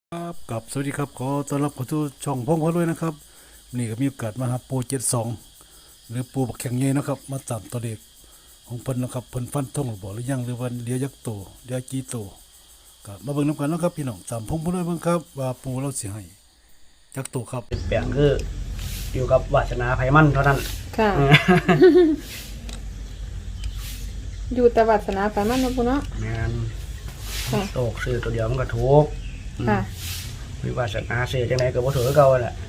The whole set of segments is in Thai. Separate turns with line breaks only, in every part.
ครับกับสวัสดีครับขอต้อนรับเข้าสู่ช่องพงพะด้วยนะครับนี่ก็มีโอกาสมาหาปู72หรือปูบักแข็งใหญ่นะครับมาตามตัวเลขของเพิ่นนะครับเพิ่นฟันธงหรือบ่หรือยังหรือว่าเหลือยักษ์โตเหลือกี่โตก็มาเบิ่งนํกันนะครับพี่น้องตามพงพะด้วยเบิ่งครับว่าปูเราสิให้ยักษ์โตครับ
แปลงคืออยู่กับวาสนาไผมันเท่านั้น
ค่ะ อยู่แต่วัสนาไปมันนะปุเนาะ
แม่น
ค่ะ
โตกซื้อตัวเดียวมันก็ถูก
ค่ะ
วิวาสนาซื้อจังไดก็บ่ถูกคือเก่าแหละ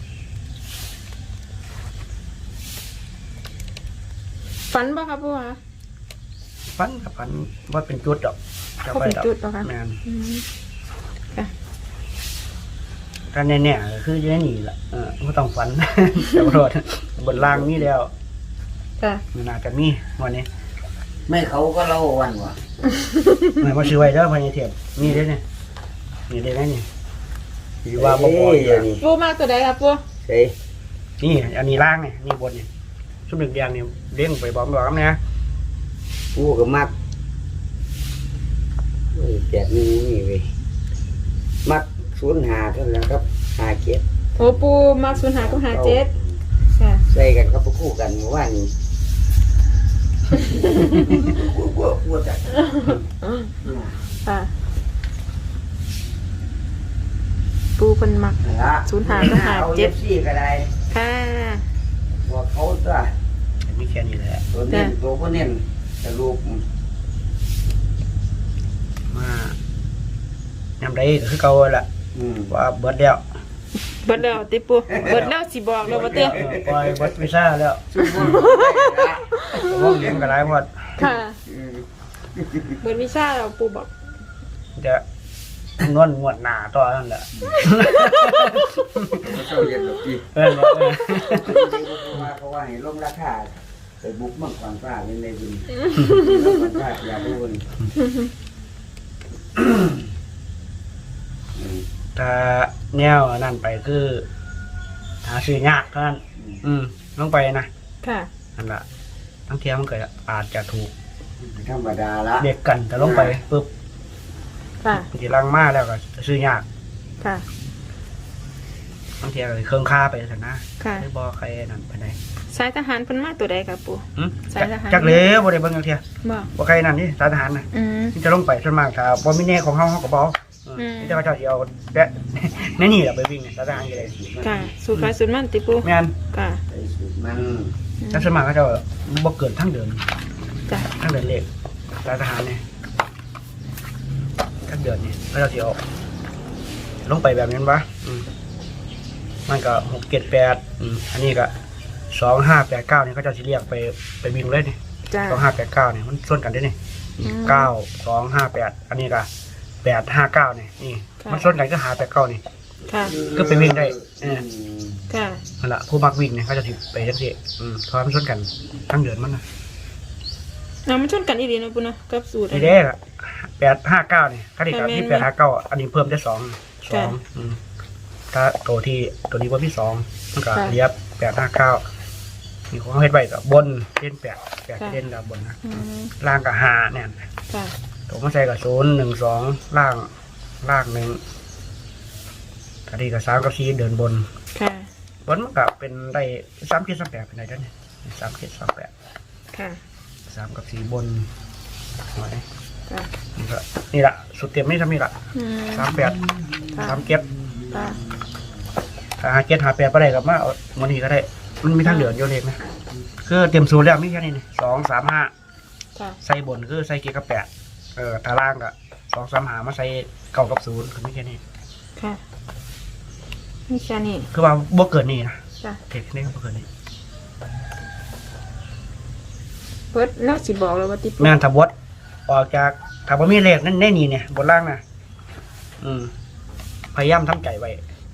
ฝันบ่ครับปูคะ
ฟันกับฟันว่าเป็นจุดดอก
เขาเป็นจุดเหรอคะ
แม่น
อืมค่ะ
ถ้าแน่ๆก็คืออยู่ในนี่ล่ะบ่ต้องฝัน แต่บ่รอดบนล่างมีแล้ว
ค่ะ
มันน่าจะมีวันนี้
ไม่เขาก็เล่าวันว่ะ
ไม่มาซื้อไว้เด้อพญาเทพนี่เด้อเนี่ยนี่เด้อนี่สิว่าบ่พออยู่
นี่
ปูมากตัวใดครับปู
ใช่
นี่อันนี้ล่างนี่นี่บนนี่ชุดหนึ่งแดงนี่เด้งไปบอกนะ
กูก็มักแจกนี่เว้ยมัก05เท่านั้นครับ57
โอ้ปูมาก05กับ57ค่ะ
ใส่กันครับคู่กันเมื่อวานนี้กูจัด
ค่ะปูเพิ่นมัก
ละ
05กับ57
4ก็ได้
ค่ะ
บอกเขาตัว
มีแค่นี้แหละ
ตัวเน้นตัวก็เน้นแต่ลูก
มายำได้ก็คือเก่าแหละ ว่าเบิดแล้ว
เบิดแล้วติปูเบิดแล้วสิบอกแล้วว่าเต้
ปล่อยเบิดวิซ่าแล้ว
ซุ่มบ่ได้ละ
ว่องเลี้ยงกันหลายหมด
ค่ะเบิดวิชาแล้วปูบอก
จะนวลงวดหน้าต่อนั่นแหละ
เจ้าเย็นหรอกพี่
เออ
เพราะว่าให้ลงราคาไปบุกเมืองขวางฟ้าเป็นในบุญเมืองขวางฟ้าอย่าบุญ
ถ้าแนวนั่นไปคือหาซื้อยากเท่านั้นลงไปนะ
ค่ะ
นั่นแหละทั้งเทียมันก็อาจจะถูก
ธรรมดาละ
เด็กกันแต่ลงไปปุ๊บ
ค่ะ
ทีลังมาแล้วก็จะซื้อยาก
ค่ะ
บางทีก็เครื่องค่าไปสันนะ
ค่ะ
ไม่บอกใครนั่นไปไหน
สายทหารเพิ่นมาตัวใดครับปู สายทหาร
จักเลยบ่ได้เบิ่งจักเทีย
บอก
บ่ใครนั่นนี่สายทหารน่ะ
อืม
ที่จะลงไปส่วนมากถ้าบ่มีแน่ของเฮาก็บ่ที่จะเขาเจ้าสิเอาแดะ แม่นี่ล่ะไปวิ่งเนี่ยสายทหารก็ได้
ค่ะสูตรขายสูตรมันติปู
แม่น
ค่ะ
ไอ้สุดมัน
แต่ส่วนมากเขาเจ้าบ่เกินทางเดิน
จ้ะ
ทางเดินเลขสายทหารนี่ทางเดินนี่เขาเจ้าสิเอาลงไปแบบนั้นวะมันก็6 7 8อันนี้ก็2 5 8 9นี่เขาเจ้าสิเรียกไปวิ่งเลยนี่
จ้ะ
2589นี่มันส่วนกันได้นี่9258อันนี้ก็859นี่มันส่วนกันก็589นี่
ค่ะ
ก็ไปวิ่งได้
ค่ะ
นั่นแหละผู้มักวิ่งเนี่ยเขาจะถือไปจังซี่เพราะมันส่วนกันทั้งเดือนมันนะ
เอามันชนกันอีหลีเนาะปุเนาะกับสูตร
นี่เด้ล่ะ859นี่ถ้าที่กับที่859อันนี้เพิ่มได้2ถ้าตัวนี้ว่ามี2มันก็เรียบ859นี่ของเขาเฮ็ดไว้กับบนเล่น8เล่นกับบนนะ
อืม
ล่างกับ5เนี่ย
ค่ะ
ตัวมาใส่กับ0 1 2ล่าง1ถ้าที่กับ3กับ4เดินบน
ค่ะ
บนมันก็เป็นได้3 7 3 8เป็นได้เด้อนี่3 7 3 8
ค่ะ
3กับ4บนหน่อย
ค่ะ
นี่ละสุดเต็มนี่ทำนี่ละ
อืม
38 37
ค่ะ
57 58บ่ได้กับมาเอาวันนี้ก็ได้มันมีทางเหลืออยู่เล็กนะคือเต็มสูตรแล้วมีแค่นี้นี่2 3 5
ค่ะ
ใส่บนคือใส่7กับ8ตารางก็2 3 5มาใส่9กับ0คือมีแค่นี้
ค่ะนี่แค่นี้
คือว่าบ่เกินนี่นะ
จ้ะ
เทคนิคบ่เกินนี่
เพิ่นแล้วสิบอกเลยว่าติปู
แม่นถ้าบดออกจากถ้าบ่มีเลขนั่นแน่นี่เนี่ยบนล่างน่ะพยายามทำใจไว้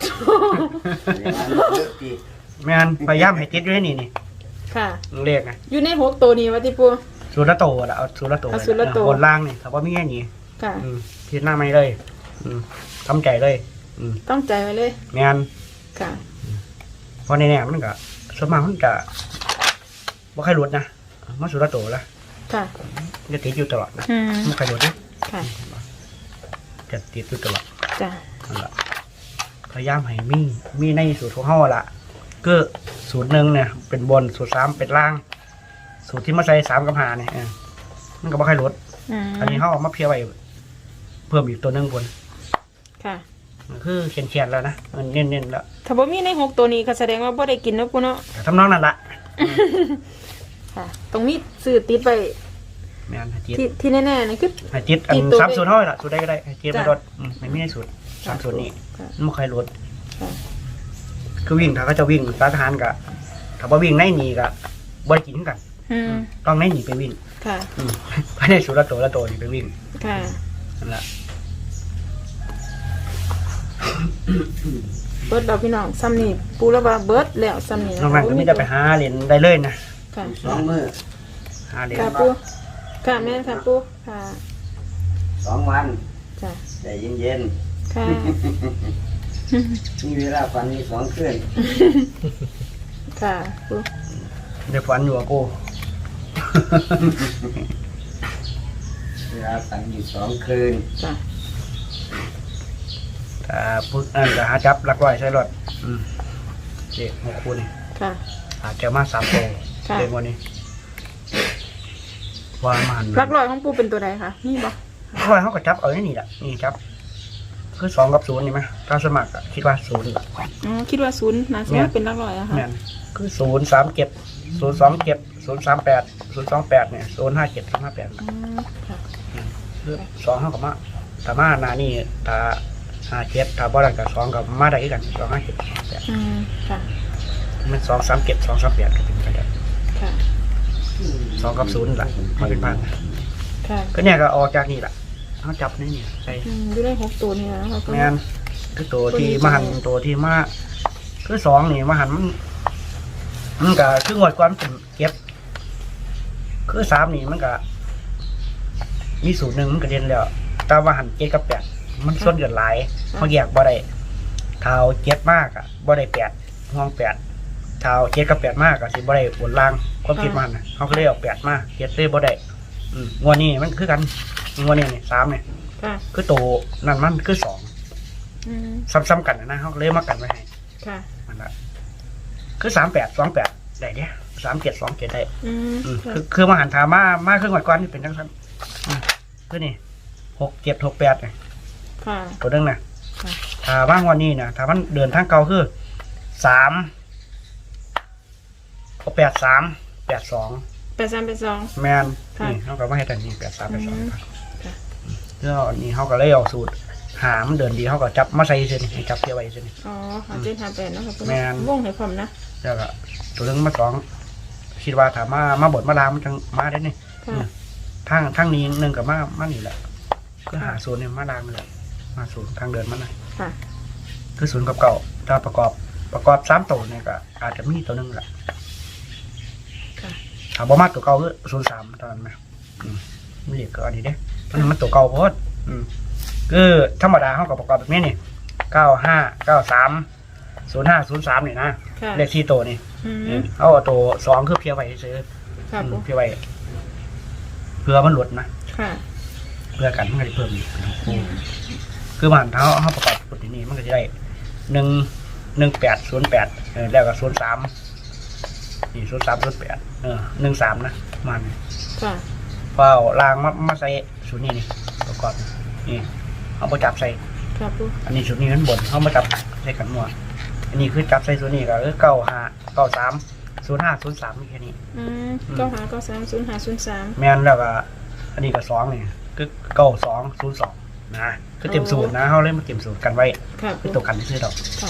เลิกดี
แม่นพยายามให้ติดอยู่ในนี่
ค่ะ
เลขนะ
อยู่ใน6ตัวนี้ว่าติปู
สูตรละโตละเอาสูตรละโต
เอาสูตรละโต
บนล่างนี่ถ้าว่ามีแค่นี้
ค่ะ
พิจารณาไม่เลยทำใจเลย
ต้องใจไว้เลย
แม่น
ค่ะ
เพราะในแน่มันก็ส่วนมากมันก็บ่ใครหลุดนะมันสูตรละโตละ
ค่ะ
จะติดอยู่ตลอดนะ
อืม
ไม่ใครหลุดนะ
ค่ะ
จะติดอยู่ตลอด
จ้ะ
นั่นล่ะพยายามให้มีในสูตรของเฮาล่ะก็สูตรหนึ่งเนี่ยเป็นบนสูตร3เป็นล่าง สูตรที่มาใส่3กับ5เนี่ยมันก็บ่ค่อยลดอันนี้เฮาเอามาเพียไว้เพิ่มอีกตัวหนึงบน
ค่ะ
คือเขียนๆแล้วนะมันเน้นๆแล้ว
ถ้าบ่มีใน6ตัวนี้ก็แสดงว่าบ่ได้กินนะปูเนาะ
ทำนองนั้นล่ะ
ค่ะตรงนี้ซื้อติดไป
แม่นให้จิต
ที่แน่ๆนี่คือ
ให้จิตอัน
ติดตัว
3สูตรเฮาล่ะสูตรใดก็ได้ให้จิต
จ้ะ
ไม่ลดไม่มีในสูตร3สูตรนี้
ค่ะ
มันบ่ค่อยลด
ค่ะ
คือวิ่งถ้าเขาจะวิ่งสายทหารก็ถ้าบ่วิ่งในนี่ก็บ่ได้กินกัน ต้องในนี่ไปวิ่ง
ค่ะ
ภายในสูตรละตัวนี่ไปวิ่ง
ค่ะ
นั่นล่ะ
เบิดเราพี่น้องซ้ำนี่ปูแล้วว่าเบิดแล้วซ้ำนี่
นอกนั้นก็มีแต่ไปหาเหรียญได้เลยนะ
ค่ะ
2 มื้อ
หาเหรียญ
ค่ะปูค่ะแม่ค่ะปูค่ะ
2 วัน
จ้ะ
ใจเย็น
ค่ะ
ๆมีเวลาฝันมี2 คืน
ค่ะปู
ได้ฝันอยู่กับกู
เวลาฝันอยู่2 คืน
จ้ะ
ถ้าพูดนั่นก็หาจับหลักร้อยใช้รถเด็กหกคู่นี่
ค่ะ
อาจจะมา3ตัว
ค่ะ
เด็กวันนี้ว่ามัน
รักรอยของปูเป็นตัวใดคะนี่บ่
ร้อยเขาก็จับเอาไว้นี่แหละนี่จับคือ2กับ0นี่ไหมถ้าสมัครอะคิดว่า0
อ๋อคิดว่าศูนย์นะสมมติเป็นรักรอยอะค่ะ
แม่นคือ0 3 7 0 2 7 0 3 8 0 2 8เนี่ย0 5 7 0 5 8
อืมค่ะ
คือ2เขากับมาถ้ามาหน้านี่ถ้า5 7ถ้าบ่ได้กับ2กับมาได้คือกัน2 5 7 8
อืมค่ะ
มัน2 3 7 2 3 8ก็เป็นไปได้
ค่ะ
2กับ0ล่ะมันเป็นพัน
ค่ะ
ก็เนี่ยก็ออกจากนี่แหละเขาจับนี่เนี่ยใส่
อยู่ได้6ตัวนี่นะคะปู
แมนคือตัวที่มาหันตัวที่มาคือ2นี่มาหันมันก็คืองวดก่อนเป็นเก็บ คือ3นี่มันก็มีสูตรหนึ่งมันก็เด่นแล้วแต่ว่าหัน7กับ8มันส่วนเกินหลายเขาแยกบ่ได้เท้า7มากอ่ะบ่ได้8ห้อง8เท้า7กับ8มากอ่ะสิบ่ได้บนล่างความคิดมันน่ะเขาก็เลยเอา8มา7เลยบ่ได้งวดนี้มันคือกันงวดนี้นี่3เนี่ย
ค่ะ
คือตัวนั่นมันคือ2
อืม
ซ้ำๆกันนะเขาก็เลยมากันไว้ให้
ค่ะ
มันละคือ38 28ได้เด้37 27ได้
อืม
คือ
ค่ะ
คือมาหันถามมาครึ่งวันก่อนนี่เป็นจังซั่นคือนี่6 7 6 8นี่
ค่ะ
ตัวนึงนะ
ค่ะ
ถ้าว่างวันนี้นะถ้ามันเดินทางเก่าคือ3 8 3 8 2
8382
แมน
ค่ะ
นี่เขาก็มาให้แต่นี่8 3 8
อืม
2
ค่ะ
แล้วนี่เขาก็เลยเอาสูตรหามันเดินดีเขาก็จับมาใส่เส้นให้จับเทียบไว้เส้น
อ๋อ5758เนาะครับปู
แม่น
วงให้พร้อมนะ
แล้วก็ตัวนึงมา2คิดว่าถ้ามาบดมาลางมันจังมาได้นี่
ค่ะ
ทางนี้นึงกับมานี่แหละคือหาศูนย์เนี่ยมาลางนี่แหละมาศูนย์ทางเดินมันน่ะ
ค่ะ
คือศูนย์กับเก่าถ้าประกอบ3ตัวเนี่ยก็อาจจะมีตัวนึงแหละ
ค่ะ
ถ้าบ่มาตัวเก่าคือ03ตอนนั้นนะมันเรียกก็อันนี้เด้มันตัวเก่าโพดคือธรรมดาเฮาก็ประกอบแบบนี้นี่95 93 05 03นี่นะ
ค่ะ
เลข4ตัวนี่
อืม
เอาตัว2คือเพียไว้ซื่อ
ค่ะปู
เพียไว้เพื่อมันหลุดนะ
ค่ะ
เพื่อกันมันก็จะเพิ่มอีกคือมันเท้าเขาประกอบกฎนี้มันก็จะได้1808แล้วก็03นี่0308 13นะมัน
ค่ะ
เปล่าลางมาใส่ชุดนี้นี่ประกอบนี่เอาไปจับใส่
ค่ะปู
อันนี้ชุดนี้มันบนเขามาจับใส่กันมั่วอันนี้คือจับใส่ชุดนี้ก็คือ95 93 05 03นี่แค่นี้
อืม95930503
แม่นแล้วก็อันนี้ก็2นี่คือ9202นะคือเต็มสูตรนะเขาเล่นมาเต็มสูตรกันไว้
ค่ะ
คือ
ปู
ตัวกันที่ซื้อดอก
ค่ะ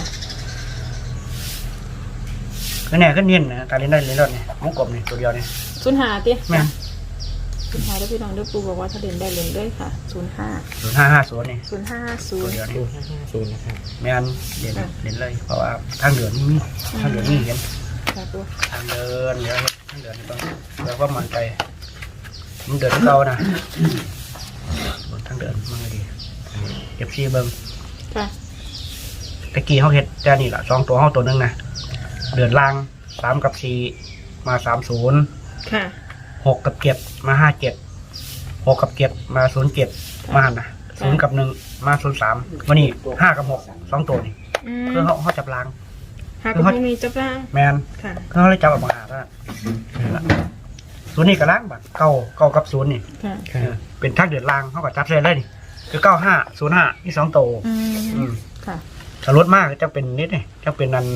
คือเนี่ยขึ้นเนียนนะการเล่นได้เล่นรอดเนี่ยวงกลมนี่ตัวเดียวนี่
05ติ
แม่น
05ได้พี่น้องเด้อปูบอกว่าถ้าเล่นได้เล่นด้วยค่ะ05
0550นี่ตัวเดียว
0550
นี่
0550นะครับ
แม่นเล่นเล่นเลยเพราะว่าทางเดือนนี่มีทางเดือนนี่เห็น
ค่ะปู
ทางเดินเดี๋ยวเฮ็ดทางเดินนี่ต้องแล้วก็มั่นใจมันเดินเก่านะทางเดินมันก็ดีเก็บซีเบิ่ง
ค่ะ
ตะกี้เขาเฮ็ดแต่นี่ล่ะ2ตัวเฮาตัวนึงนะเดือนล่าง3กับ4มา30
ค่ะ
6กับ7มา57 6กับ7มา07มาหั่นนะศูนย์กับหนึ่งมาศูนย์สามวันนี้ห้ากับหกสองตัวนี่
อืม
คือเขาจับลาง
หากระพงนี้จับล่าง
แมน
ค่ะ
คือเขาเลยจับออกมาหาเท่านั้นศูนย์นี่กับล้างบัตรเก้ากับศูนย์นี่
ค่ะ
เป็นทักเดือดลางเขาก็จับเลยเลยนี่คือ9505นี่สองตัว
อื
อื
ม
ม
ค่ะ
ถ้ารถมากจะเป็นนิดนี่จะเป็นนัน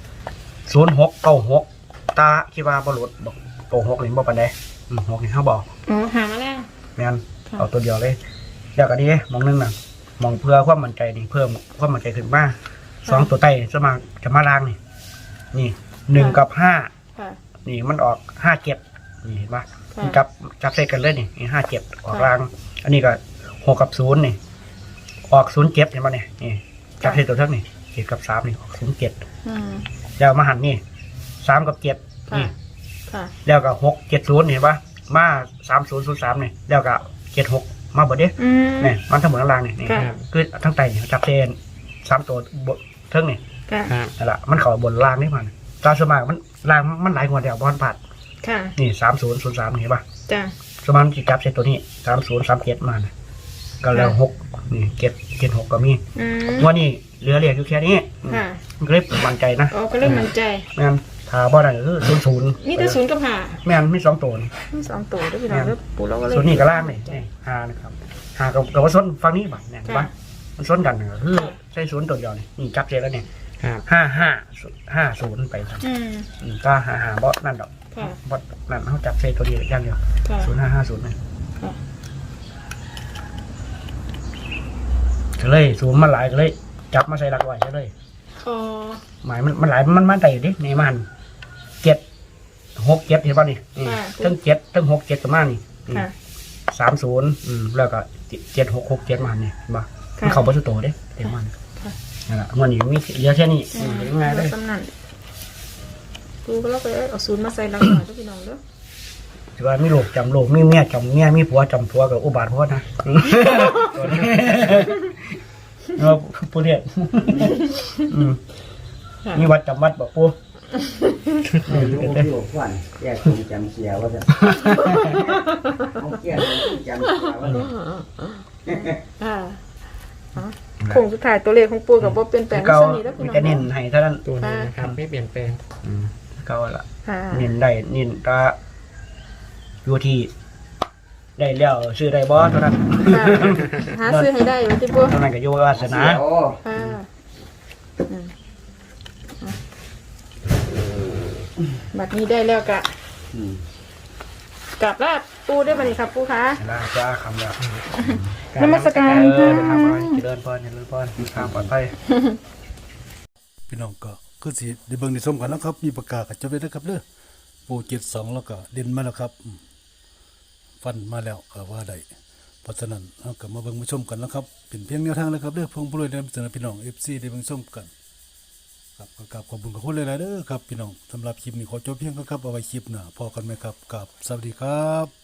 0696ตาคิดว่าบรถบอกโต6นี่บ่ปานใด6นี่เขาบอก
อ๋อหามาแล้ว
แม่น
ค่ะ
เอาตัวเดียวเลยเดี๋ยวก็ดีมองนึงน่ะมองเพื่อความมั่นใจนี่เพิ่มความมั่นใจขึ้นมาสองตัวใต้จะมาล่างนี่นี่1กับ5
ค่ะ
นี่มันออก57นี่เห็นปะ
ค่ะ
มันจับใส่กันเลยนี่57ออกล่าง อันนี้ก็6กับ0นี่ออก07เห็นปะเนี่ยนี่จับใส่ตัวเท่านี่7กับ3นี่ออก07
อืม
แล้วมาหันนี่3กับ7
ค่ะ
นี่
ค่ะ
แล้วก็670เห็นปะมา3003นี่แล้วก็76มาเบิดเด้
อืม
นี่มันทั้งหมดทั้งล่างนี่นี่
ค่ะ
คือทั้งไตนี่จับเส้น3ตัวบนเทิงนี่
ค่ะ
นั่นแหละมันเข้าบนล่างนี่มันตาสวนมากมันล่างมันหลายกว่าเดียวบ่ทันผ่าน
ค่ะ
นี่3003เห็นปะ
จ้ะ
สมานจิจับเซตตัวนี้3037มานะก็แล้ว6นี่776ก็มี
อืม
วันนี้เหลือเรียกอยู่แค่นี้
ค่ะ
มันก็เลยมั่นใจนะ
อ๋อก็เริ่มมั่นใจ
แม่นถ้าบ่ได้ก็คือ00
มีแต่ศูนย์กับหา
แม่นมี2ตัวนี่
มีสองตัวด้วยพี่น้องแล้วปูเราก็เลย
ส่วนนี้ก็ล่างนี่นี่5นะครับ5กับว่าส้นฝั่งนี้บัดเนี่ยเห็นปะมันส้นกันก็คือใช้0ตัวเดียวนี่จับเซตแล้วนี่
ครับ
5550ไปครับ
อืม
ก็55บ่นั่นดอก
ค่ะ
บ่นั่นเฮาจับเซตตัวเดียวอย่างเดียว
ค่ะ
0550นี่
ค่ะ
ก็เลยสูงมันหลายก็เลยจับมาใส่หลักไว้ใช่เลย
อ๋อ
หมายมันหลายมันได้อยู่ดิในมัน7 6 7เห็นป่ะนี่ทั้ง7ทั้ง6 7กับมานี่
ค่ะ
30แล้วก็7 6 6 7มานี่เห็นป่ะมัน
ค่ะ
เข้าบ่สุดโตเด้เต็มมัน
ค่ะ
นั่นล่ะมันนี่มีเหลือแค่นี้ยังไงเลย
สำนันปูก็เราไปเอาศูนย์มาใส่หลังหน่อยด้วยพี่น้องเด้อ
ถือว่ามีลูกจำลูกมีเมียจำเมียมีผัวจำผัวกับอุบาทผัวนะตัวนี้เราผู้เรียนมีวัดจำวัดบอกปู
ไม่รู้ที่บอกว่าแยกคงจำเสียว่าจะเอาเกี่ยจำเสียว่าจะ
อ่าโคงสุดท้ายตัวเลขของปูกับว่าเป็นแปลง
เก่า
สนิทแล้วพี่
มี
น้อง
แต่เน้นให้เท่านั้น
ตัวนี้นะครับไม่เปลี่ยนแปลง
เก่าละ
ค่ะ
เน้นได้เน้นก็อยู่ที่ได้แล้วซื้อได้บ่เท่านั้น
ค่ะหาซื้อให้ได้อยู่ที่ปู
เท่านั้นก็อยู่วาสนา
ค่ะอืมบัดนี้ได้แล้วกะกลับลาบปูได้บัดนี้ครับปูคะ
ลาจ้าคำละ
นมัสการ
เอ
ค่ะ
อทำอะไรเจริญพรเจริญพรทางปลอดภัย
พี่น้องก็คือสิได้เบิ่งได้ชมกันแล้วครับ มีประกาศกับจบเลยนะครับเด้อปู72แล้วก็เด่นมาแล้วครับฟันมาแล้วก็ว่าได้เพราะฉะนั้นเราก็มาเบิ่งมาชมกันแล้วครับเป็นเพียงแนวทางเลยครับเด้อเพิ่งผู้รวยนำเสนอพี่น้อง FC ได้เบิ่งชมกันครับก็กราบขอบคุณขอบคุณหลายๆเด้อครับพี่น้องสำหรับคลิปนี้ขอจบเพียงเท่านี้ครับเอาไว้คลิปหน้าพอกันไหมครับกับสวัสดีครับ